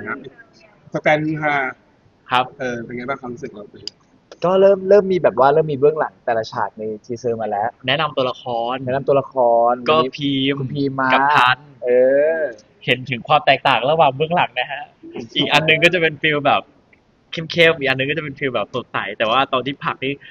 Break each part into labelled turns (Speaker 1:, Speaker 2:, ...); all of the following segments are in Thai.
Speaker 1: นะสแตนฮา
Speaker 2: ครับ
Speaker 1: เป็นไงบ้างความรู้สึกเรา
Speaker 3: ก็เริ่มมีแบบว่าเริ่มมีเบื้องหลังแต่ละฉากในทีเซอร์มาแล้ว
Speaker 2: แนะนำตัวละคร
Speaker 3: แนะนำตัวละคร
Speaker 2: ก็
Speaker 3: วันนี้
Speaker 2: พีม
Speaker 3: คุณพีมมา
Speaker 2: กับทัน
Speaker 3: เออ
Speaker 2: เห็นถึงความแตกต่างระหว่างเบื้องหลังนะฮะอีกอันหนึงก็จะเป็นฟีลแบบเข้มๆอีกอันหนึงก็จะเป็นฟีลแบบสดใสแต่ว่าตอนที่ผลักนี่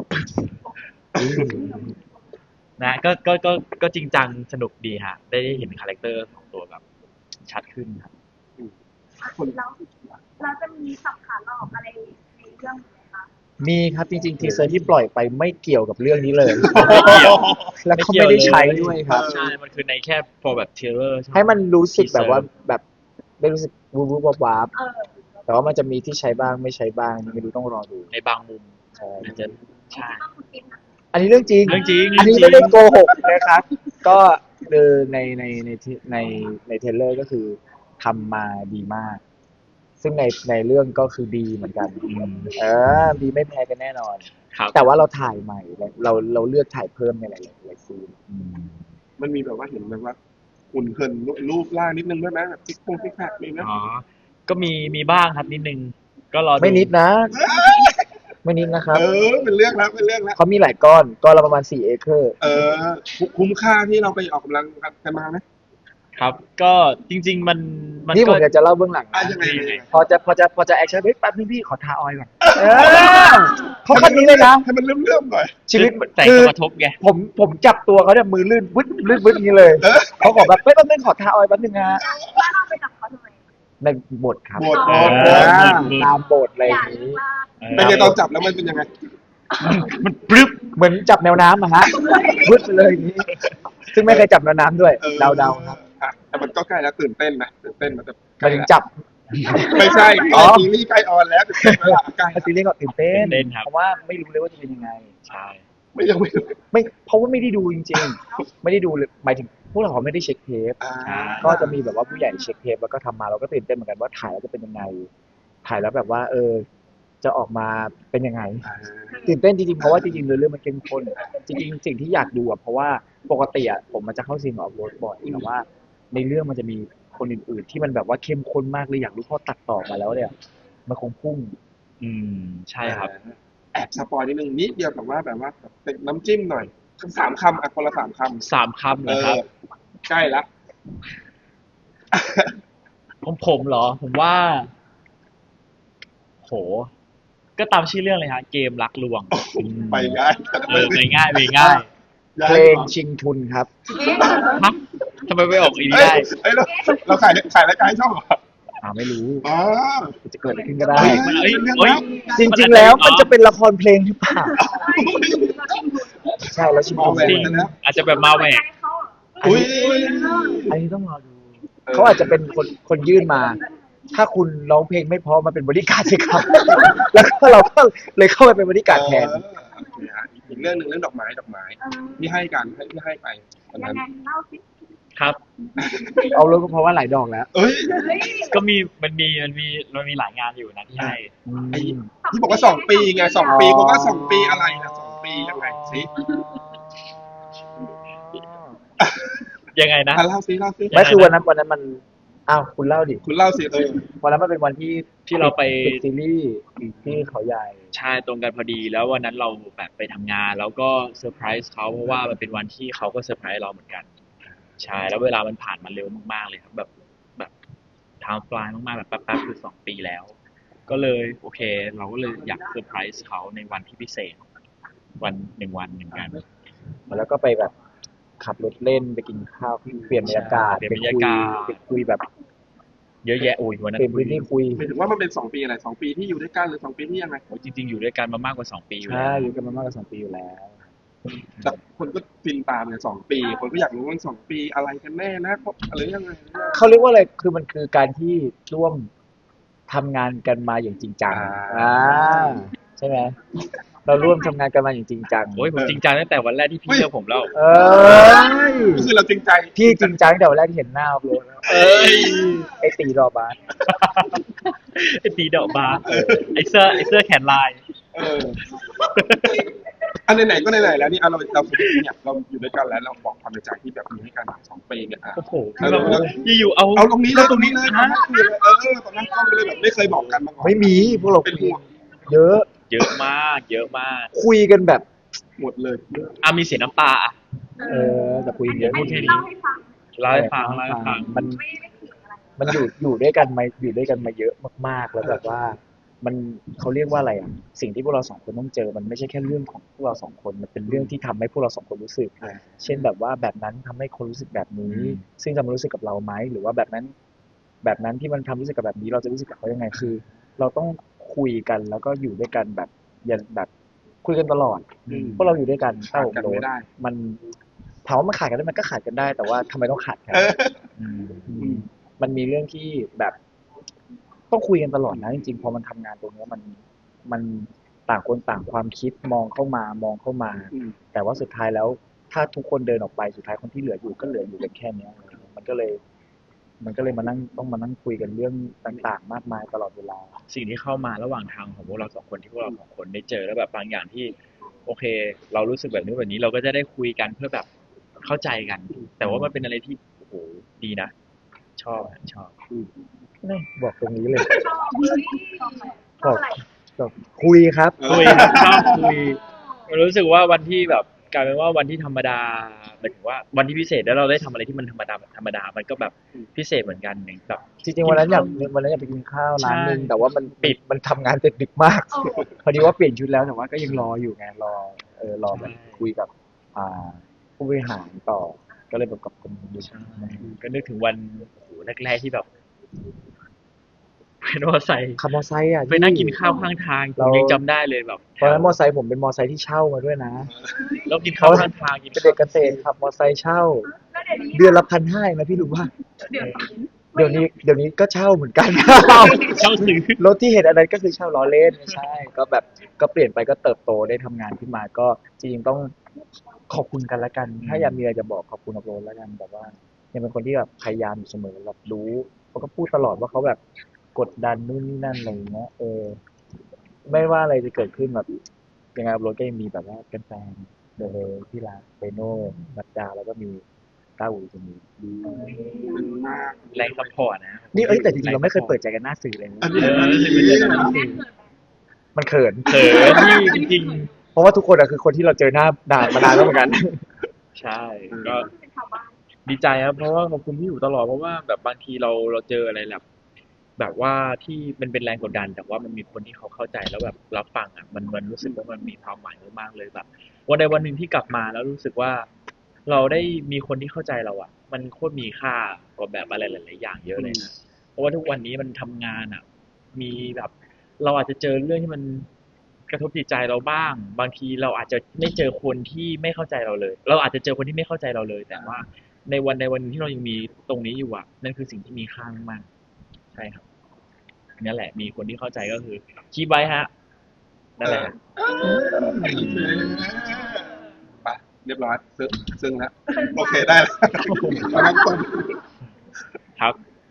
Speaker 2: นะก็จริงจังสนุกดีฮะได้เห็นคาแรคเตอร์ของตัวแบบชัดขึ้นครับ
Speaker 4: แล้วเราจะมีสับขาหลอกอะไรในเรื่องไหมคะ
Speaker 3: มีครับจริงๆทีเซอร์ที่ปล่อยไปไม่เกี่ยวกับเรื่องนี้เลย
Speaker 2: ไม่เกี่ยว
Speaker 3: แล้วก็ไม่ได้ใช้ด้วยครับ
Speaker 2: ใช่มันคือในแค่ for แบบ trailer ใช่ไหม
Speaker 3: ให้มันรู้สึกแบบว่าแบบได้รู้สึกวูบวูบวาบ
Speaker 4: เออ
Speaker 3: แต่ว่ามันจะมีที่ใช้บ้างไม่ใช้บ้างไม่รู้ต้องรอดู
Speaker 2: ในบางมุม
Speaker 3: ใช่
Speaker 2: มันจะใช่
Speaker 4: ต้องคุณกินนะ
Speaker 3: อันนี้เรื่องจริง
Speaker 2: เรื่องจริง
Speaker 3: อันนี้ไม่ได้โกหกนะครับ ก็คือในเทรลเลอร์ก็คือทำมาดีมาก ซึ่งในเรื่องก็คือดีเหมือนกันดีไม่แพ้กันแน่นอน
Speaker 2: ครับ
Speaker 3: แต่ว่าเราถ่ายใหม่เราเลือกถ่ายเพิ่มในหลายๆซีน
Speaker 1: มันมีแบบว่าเห็นแบบว่าหุ่นเหินรูปร่างนิดนึงด้วยไหมแบบซิกแพคมีไหม
Speaker 2: อ๋อ ก็มีบ้างครับนิดนึง ก็รอดู
Speaker 3: ไม่นิดนะ ไม่นิดนะครับ
Speaker 1: เป็นเรื่องแล้วเป็นเรื่องแล้ว
Speaker 3: เขามีหลายก้อนละประมาณ4 เอเคอร์
Speaker 1: คุ้มค่าที่เราไปออกกำลังกันมาไหม
Speaker 2: ครับ ก็จริง ๆ มัน
Speaker 3: นี่ผ
Speaker 2: ก็
Speaker 3: มอยากจะเล่าเบื้องหลังนะ
Speaker 1: ยังไง
Speaker 3: พอจะแอคชั่นเฮ้ยแป๊บนึงพี่ขอทาออยล์ก่อนเขาคันนี้เลยนะ
Speaker 1: ให้มันเริ่มหน่อย
Speaker 3: ชีวิต
Speaker 2: แต่ง
Speaker 3: คือ
Speaker 2: กระทบไง
Speaker 3: ผมจับตัวเขาเนี่ยมือลื่นวึดอย่างนี้เลยเขาขอแบบเฮ้ยแป๊บนึงขอทาออยล์แป๊บนึงนะ
Speaker 4: ว่าเราไปจับเขาทำไม
Speaker 3: ในบทครับ
Speaker 1: บท
Speaker 3: ตามบทอะไรอ
Speaker 4: อยา
Speaker 3: ย่าก งนี้
Speaker 4: ว่า
Speaker 1: เป็นไงตอนจับแล้วมันเป็นยังไง
Speaker 2: มันปรึบ
Speaker 3: เหมือนจับแนวน้ำอะฮะวึดไปเลยอย่างนี้ ซึ่งไม่เคยจับแนวน้ำด้วยเดาครับ
Speaker 1: แต่มันก็ใกล้แล้วตื่นเต้นนะตื่นเต้นมันจะ
Speaker 3: มาถึงจับ
Speaker 1: ไม่ใช่ซีรีส์ใกล้ออนแล้วตื่นเต้นแล้วใกล้
Speaker 3: ซีรีส์ก็ตื่นเต้น
Speaker 2: ตื่นเต้นครับ
Speaker 3: เพราะว่าไม่รู้เลยว่าจะเป็นยังไง
Speaker 2: ใช่
Speaker 1: ยังไม่
Speaker 3: ไม่เพราะว่าไม่ได้ดูจริงๆ ไม่ได้ดูเลยหมายถึงพวกเราไม่ได้เช็คเทปก็จะมีแบบว่าผู้ใหญ่เช็คเทปแล้วก็ทำมาเราก็ตื่นเต้นเหมือนกันว่าถ่ายแล้วจะเป็นยังไง ถ่ายแล้วแบบว่าจะออกมาเป็นยังไง ตื่นเต้นจริงๆเพราะว่าจริงๆเรื่องมันเข้มข้นจริงๆสิ่งที่อยากดูอ่ะเพราะว่าปกติอ่ะผมมันจะเข้าซีนออฟโรดบ่อยแต่ว่าในเรื่องมันจะมีคนอื่นๆที่มันแบบว่าเข้มข้นมากเลยอยากรู้พอตัดต่อมาแล้วเนี่ยมันคงพุ่ง
Speaker 2: ใช่ครับ
Speaker 1: แอบสปอยนิดนึงนิดเดียวแบบว่าเป็นน้ำจิ้มหน่อย3 คำคนละ3 คำ
Speaker 2: 3 คำเหรอครับ
Speaker 1: ใกล้ละ
Speaker 2: ของผมเหรอ ผมว่า โห ก็ตามชื่อเรื่องเลยฮะ เกมรักลวง
Speaker 1: ไปง่าย
Speaker 2: ไปง่ายไปง่าย
Speaker 3: เพลงชิงทุนครับ
Speaker 2: ฮะทำไมไม่ออกอีนี้
Speaker 1: เฮ้
Speaker 2: ได้
Speaker 1: ยเราขายรายการให้ช่องเหรอ
Speaker 3: ไม่รู้
Speaker 1: อ๋อ
Speaker 3: จะเกิดอะไรขึ้นก็ได้ จ
Speaker 1: เ
Speaker 3: ริงๆแล้วมันจะเป็นละครเพลงหรือเปล่าใช่แล้วชิงทุน
Speaker 2: จริงอาจจะแบบมาแหวก
Speaker 4: เขาเหรอ
Speaker 1: อุ้ย
Speaker 3: อันนี้ต้องรอดูเขาอาจจะเป็นคนยื่นมา ถ้าคุณร้องเพลงไม่พอมาเป็นบริการดสิครับ แล้วก็เราก็เลยเข้าไปเป็นบริการดแทน
Speaker 1: อีกเรื่องหนึ่งเรื่องดอกไม้ที่ให้กันที่ให้ไปตอน
Speaker 4: ยั
Speaker 1: นั้
Speaker 4: ง
Speaker 1: น
Speaker 4: ไงเล่าสิ
Speaker 2: ครับ
Speaker 3: เอารู้ก็เพราะว่าหลายดอกแล้ว
Speaker 1: เอ้ย
Speaker 4: เฮ้ย
Speaker 2: ก็มันมีหลายงานอยู่นะที่ให้
Speaker 1: ไอ้ที่บอกว่า2 ปีไง2 ปีผมว่า2 ปีอะไรนะ2 ปียังไงสิ
Speaker 2: ยังไงนะ
Speaker 1: เล่าสิ
Speaker 3: ไม่คือวันนั้นมันอ้าวคุณเล่าดิ
Speaker 1: คุณเล่าสิ
Speaker 3: วันนั้นมันเป็นวันที่
Speaker 2: ที่เราไป
Speaker 3: ปิดซีรีส์ที่เขาใหญ่
Speaker 2: ใช่ตรงกันพอดีแล้ววันนั้นเราแบบไปทำงาน แล้วก็เซอร์ไพรส์เขาเพราะว่ามันเป็นวันที่เขาก็เซอร์ไพรส์เราเหมือนกัน ใช่แล้วเวลามันผ่านมาเร็วมากๆเลยครับแบบไทม์ฟลายมากๆแบบแป๊บๆคือ2 ปีแล้ว ก็เลยโอเค เราก็เลยอยากเซอร์ไพรส์เขาในวันที่พิเศษวัน1 วันเหมือนกัน
Speaker 3: แล้วก็ไปแบบขับรถเล่นไปกินข้าวเปลี่ยนบรรยากาศ
Speaker 2: เปลี่ยนบรรยากาศ
Speaker 3: ไปคุยแบบ
Speaker 2: เยอะแยะโอ้ยวันนั้
Speaker 3: เปลี่ย
Speaker 2: น
Speaker 3: นพื้นที่คุย
Speaker 1: หมายถึงว่ามันเป็น2 ปีอะไร2 ปีที่อยู่ด้วยกันหรือ2 ปีที่ยังไง
Speaker 2: โอ้ยจริงๆอยู่ด้วยกันมามากกว่า2 ปีอยู่แล้
Speaker 3: ใช่
Speaker 2: ว
Speaker 3: อยู่กันมามากกว่า2 ปีอยู่แล้ว
Speaker 1: แต่คนก็ฟินตามเนี่ย2 ปีคนก็อยากรู้ว่า2 ปีอะไรกันแน่นะอะไรยังไง
Speaker 3: เขาเรียกว่าอะไรคือมันคือการที่ร่วมทำงานกันมาอย่างจริงจังใช่ไหมเราร่วมทำงานกันมาอย่างจริงจัง
Speaker 2: โอ้ยผมจริงจังตั้งแต่วันแรกที่พี่เลือกผมแล้ว
Speaker 3: เออ
Speaker 1: ก็คือเราจริงใจ
Speaker 3: พี่จริงจังตั้งแต่วันแรกที่เห็นหน้าอัพโหลดแล้ว
Speaker 2: เอ้ย
Speaker 3: ไอ้ตีรอบาส
Speaker 2: ไอ้ตีดอกบาสไอ้เสื้อแขนลาย
Speaker 1: เอออันไหนๆก็ไหนๆแล้วนี่เราสมมติเนี่ยเราอยู่ด้วยกันแล้วเราบอกความในใจที่แบบมีให้กัน2 ปีเนี่ย
Speaker 2: โอ้โห
Speaker 1: แล้วเรา
Speaker 2: อยู่ๆเอา
Speaker 1: เอาตรงนี้เลยตรงนี้เลยตอนนั้นคือเลยตอนนั้นก็เลยแบบไม่เคยบอกกันมาก่อน
Speaker 3: ไม่มีพวกเรา
Speaker 1: เป็น
Speaker 3: คุย
Speaker 1: ห่วง
Speaker 3: เยอะ
Speaker 2: เยอะมากเยอะมาก
Speaker 3: คุยกันแบบ
Speaker 1: หมดเลย
Speaker 2: มีเสียน้ำตาอ่ะ
Speaker 3: แต่คุยเยอะ
Speaker 2: พูดแค่นี้
Speaker 4: เล่าให้ฟัง
Speaker 2: เล่าให้ฟังเล่าให้ฟัง
Speaker 3: มัน
Speaker 4: ไม่ขิงอะไร
Speaker 3: มันอยู่ด้วยกันมาเยอะมากๆแล้วแบบว่า มันเขาเรียกว่าอะไรอ่ะสิ่งที่พวกเรา2 คนต้องเจอมันไม่ใช่แค่เรื่องของพวกเรา2 คนมันเป็นเรื่องที่ทำให้พวกเรา2 คนรู้สึก เช่นแบบว่าแบบนั้นทำให้คนรู้สึกแบบนี้ ซึ่งจะมารู้สึกกับเราไหมหรือว่าแบบนั้นที่มันทำรู้สึกกับแบบนี้เราจะรู้สึกกับเขายังไงคือ เราต้องคุยกันแล้วก็อยู่ด้วยกันแบบอย่าแบบคุยกันตลอดเพราะเราอยู่ด้วยกัน
Speaker 1: ขาดกันไม่ได้
Speaker 3: มันถามว่ามันขาดกันได้มันก็ขาดกันได้ แต่ว่าทำไมต้องขาดกันมันมีเรื่องที่แบบต้องคุยกันตลอดนะจริงๆพอมันทำงานตรงนี้มันต่างคนต่างความคิดมองเข้ามา แต่ว่าสุดท้ายแล้ว ถ้าทุกคนเดินออกไปสุดท้ายคนที่เหลืออยู่ก็เหลืออยู่กันแค่เนี้ยมันก็เลยมานั่งต้องมานั่งคุยกันเรื่องต่างๆ มากมายตลอดเวลา
Speaker 2: สิ่งที่เข้ามาระหว่างทางของพวกเรา2 คนที่พวกเรา2 คนได้เจอแล้วแบบบางอย่างที่ โอเค เรารู้สึกแบบนี้แบบนี้เราก็จะได้คุยกันเพื่อแบบเข้าใจกัน แต่ว่ามันเป็นอะไรที่โอ้โหดีนะ ชอบ
Speaker 3: นี่บอกตรงนี้เลย
Speaker 4: ชอบเลยชอบอะไร
Speaker 3: บอกคุยครับ
Speaker 2: คุยชอบคุยรู้สึกว่าวันที่แบบกลายเป็นว่าวันที่ธรรมดาหมายถึงว่าวันที่พิเศษแล้วเราได้ทำอะไรที่มันธรรมดามันก็แบบพิเศษเหมือนกันอย่างแบบ
Speaker 3: จริงๆวันนั้นอยากไปกินข้าวร้านนึง
Speaker 2: ใช่
Speaker 3: แต่ว่ามันปิดมันทำงานเสร็จดึกมาก พอดีว่าเปลี่ยนชุดแล้วแต่ว่าก็ยังรออยู่ไงรอแบบคุยกับผู้บริหารต่อก็เลยแบบกับคนดู
Speaker 2: ใช่ก็นึกถึงวันโอ้โหแรกๆที่แบบเป็นมอไซค์
Speaker 3: ขับมอไซค์อ่ะ
Speaker 2: ไปนั่งกินข้าวข้างทางผมยังจำได้เลยแบบ
Speaker 3: ตอนนั้นมอไซค์ผมเป็นมอไซค์ที่เช่ามาด้วยนะ
Speaker 2: แล้วกินข้าวข้างทางกิน
Speaker 3: เป็นเด็กเกษตรขับมอไซค์เช่า
Speaker 4: แล้วเดี๋ยวนี้
Speaker 3: เดือนละ1,500นะพี่รู้ว่า
Speaker 4: เดี๋ยว
Speaker 3: เดี๋ยวนี้ก็เช่าเหมือนกัน
Speaker 2: เช่าซื้อ
Speaker 3: รถที่เห็นอันนั้นก็คือเช่าล้อเล่นไม่ใช่ ก็แบบก็เปลี่ยนไปก็เติบโตได้ทำงานขึ้นมาก็จริงๆต้องขอบคุณกันละกัน ถ้าอยากมีอะไรจะบอกขอบคุณอัพโหลดแล้วกันแบบว่ายังเป็นคนที่แบบพยายามอยู่เสมอแบบรู้เขาก็พูดตลอดว่าเขาแบบกดดันนู่นนี่นั่นอะไรอย่างเงี้ยไม่ว่าอะไรจะเกิดขึ้นแบบยังไงอัพโหลดก็ยังมีแบบว่าแฟนๆเลยที่รักเปโน่นัดดาแล้วก็มีต้าอูจะมีดี
Speaker 2: แรงซัพพอร์ตนะ
Speaker 3: นี่แต่จริงๆเราไม่เคยเปิดใจกันหน้าสื่อเลยนะ
Speaker 1: อันนี้เป็นยังไงนะ
Speaker 3: มันเขิน
Speaker 2: เขินที่จริง
Speaker 3: เพราะว่าทุกคนอะคือคนที่เราเจอหน้ามานานแล้วเหมือนกัน
Speaker 2: ๆ ใช่ก็
Speaker 4: เป็นชาวบ้าน
Speaker 2: ดีใจครับเพราะว่าขอบคุณที่อยู่ตลอดเพราะว่าแบบบางทีเราเจออะไรแบบว่าที่มันเป็นแรงกดดัน แต่ว่ามันมีคนที่เขาเข้าใจแล้วแบบรับฟังอ่ะมันรู้สึกว่ามันมีความหมายมากๆเลยแบบวันใดวันหนึ่งที่กลับมาแล้วรู้สึกว่า เราได้มีคนที่เข้าใจเราอ่ะ มันโคตรมีค่ากว่าแบบอะไรหลายๆอย่างเยอะเลยนะเพราะว่าทุกวันนี้มันทำงานอ่ะ มีแบบ เราอาจจะเจอเรื่องที่มันกระทบจิตใจเราบ้าง บางทีเราอาจจะไม่เจอคนที่ไม่เข้าใจเราเลย เราอาจจะเจอคนที่ไม่เข้าใจเราเลย แต่ว่าในวันใดวันหนึ่งที่เรายังมีตรงนี้อยู่อ่ะ นั่นคือสิ่งที่มีค่ามากๆใช่ครับนั่นแหละ มีคนที่เข้าใจก็คือคีบไว้ฮะนั่นแหละ
Speaker 1: ไปเรียบร้อยซึ่งแล้วโอเคได้แล้วเอาน้ำส้ม
Speaker 2: ครับ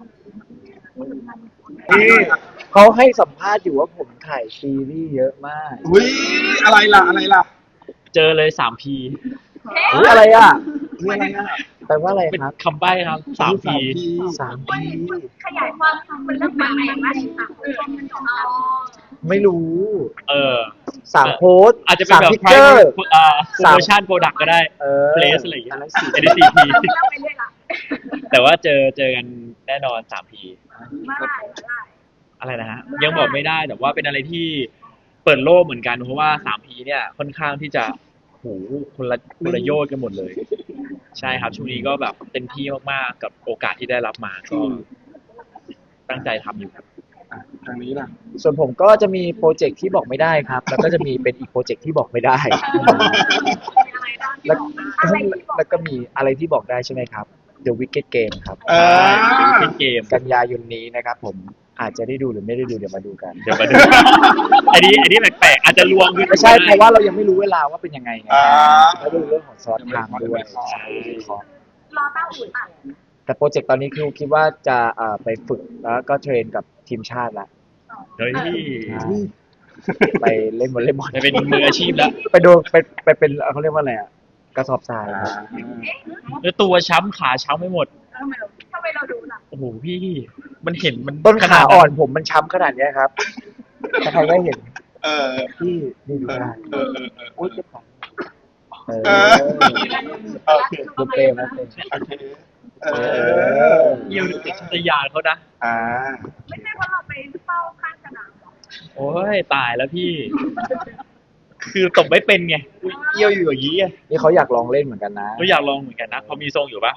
Speaker 3: นี่เขาให้สัมภาษณ์อยู่ว่าผมถ่ายซีรีส์เยอะมาก
Speaker 1: อุ้ยอะไรล่ะ
Speaker 2: เจอเลย3 พี
Speaker 3: อุ๊ยอะไรอ่ะ
Speaker 1: อุ้ยอะไรอ่ะ
Speaker 3: แปลว่าอะไร
Speaker 2: เป็น
Speaker 3: ครับ
Speaker 2: คำใบ้ครับ3 พี
Speaker 3: 3
Speaker 4: มัน
Speaker 3: ปี
Speaker 4: ขยายความมันเรื่องแบบไหนบ้างค่ะอ๋อ
Speaker 3: ไม่รู้ 3 โพสต์
Speaker 2: อาจจะเป็นแบบ
Speaker 3: 3 พิกเจอร์
Speaker 2: โปรโมชั่นโปรดักก็ได้ place อะไรอย่างเงี้ย
Speaker 3: อันนั้น
Speaker 2: อันนี้4 พี
Speaker 4: เราไปเรื่อยละ
Speaker 2: แต่ว่าเจอกันแน่นอน3 พี
Speaker 4: ไม่ได้
Speaker 2: อะไรนะฮะยังบอกไม่ได้แต่ว่าเป็นอะไรที่เปิดโลกเหมือนกันเพราะว่า3 พีเนี่ยค่อนข้างที่จะโหคนละโยชน์กันหมดเลย ใช่ครับช่วงนี้ก็แบบเต็มที่มากๆกับโอกาสที่ได้รับมาก็ตั้งใจทำอยู่ครับ
Speaker 1: ทางนี้ล่ะ
Speaker 3: ส่วนผมก็จะมีโปรเจกต์ที่บอกไม่ได้ครับ แล้วก็จะมีเป็นอีกโปรเจกต์ที่บอกไม่ได้
Speaker 4: อะไรบ้าง
Speaker 3: แล้ว
Speaker 4: อะไรที่บอก
Speaker 3: แล้วก็มีอะไรที่บอกได้ใช่ไหมครับ The Wicked Game ครับ
Speaker 2: เป็นเกม
Speaker 3: กันยายนนี้นะครับผมอาจจะได้ดูหรือไม่ได้ดูเดี๋ยวมาดูกัน
Speaker 2: เดี๋ยวมาดู อันนี้แปลกๆอาจจะลวงขึ้น
Speaker 3: ไม่ใช่เพราะว่าเรายังไม่รู้เวลาว่าเป็นยังไงไง
Speaker 1: อ่า
Speaker 3: แล้วดูเรื่องของซอสทางด้วย
Speaker 1: ใช่
Speaker 4: รอเต้าอุ่นอ่ะ
Speaker 3: แต่โปรเจกต์ตอนนี้คือคิดว่าจะไปฝึกแล้วก็เทรนกับทีมชาติละ
Speaker 2: เฮ้ย
Speaker 3: ไปเล่นวอลเลย์บอล
Speaker 2: ไปเป็นมืออาชีพแล้ว
Speaker 3: ไปดูไปเป็นเขาเรียกว่าอะไรอ่ะกระสอบทรายครับ
Speaker 4: เอ๊ะ
Speaker 2: แล้วตัวช้ำขาช้ำไม่หมด
Speaker 4: ทำไมเราดูล่ะ
Speaker 2: โอ้โหพี่มันเห็นมัน
Speaker 3: ต้น
Speaker 2: ข
Speaker 3: ขา
Speaker 2: ด
Speaker 3: อ่อนผมมันช้ำขนาดเนี้ยครับถ้าใครได้เห็น
Speaker 1: เออ
Speaker 3: ที่นี่ดูได้
Speaker 1: เออโอ
Speaker 3: อุ้ยเจ็บขาเออ
Speaker 1: เค
Speaker 3: ดูเปรมนะเปรม
Speaker 1: โอเคเออ
Speaker 2: เยี่ยวดูติดชัตยานเขานะ
Speaker 1: อ่า
Speaker 4: ไม่ใช่ว่าเราไปเฝ้าข้างสนามหรอ
Speaker 2: โอ้ยตายแล้วพี่ คือตบไม่เป็นไงอุ๊ยเยี่ยวอยู่อย่างนี้ไง
Speaker 3: นี่เขาอยากลองเล่นเหมือนกันนะ
Speaker 2: ก็อยากลองเหมือนกันนะพอมีทรงอยู่ปะ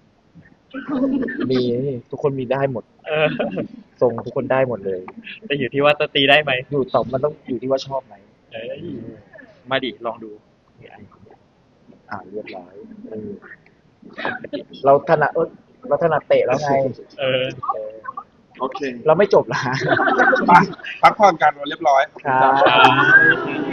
Speaker 3: มีทุกคนมีได้หมด
Speaker 2: เออ
Speaker 3: ทรงทุกคนได้หมดเลย
Speaker 2: แต่อยู่ที่ว่าจะตีได้ไหม
Speaker 3: อยู่ต่อมันต้องอยู่ที่ว่าชอบไหม
Speaker 2: เอ้ยมาดิลองดู
Speaker 3: เรียบร้อยเออเราถนัดเราถนัดเตะแล้วไง
Speaker 2: เออ
Speaker 3: เออ
Speaker 1: โอเค
Speaker 3: เราไม่จบละ
Speaker 1: ไปพักผ่อนกันเรียบร้อย
Speaker 3: ครับ
Speaker 2: ครับ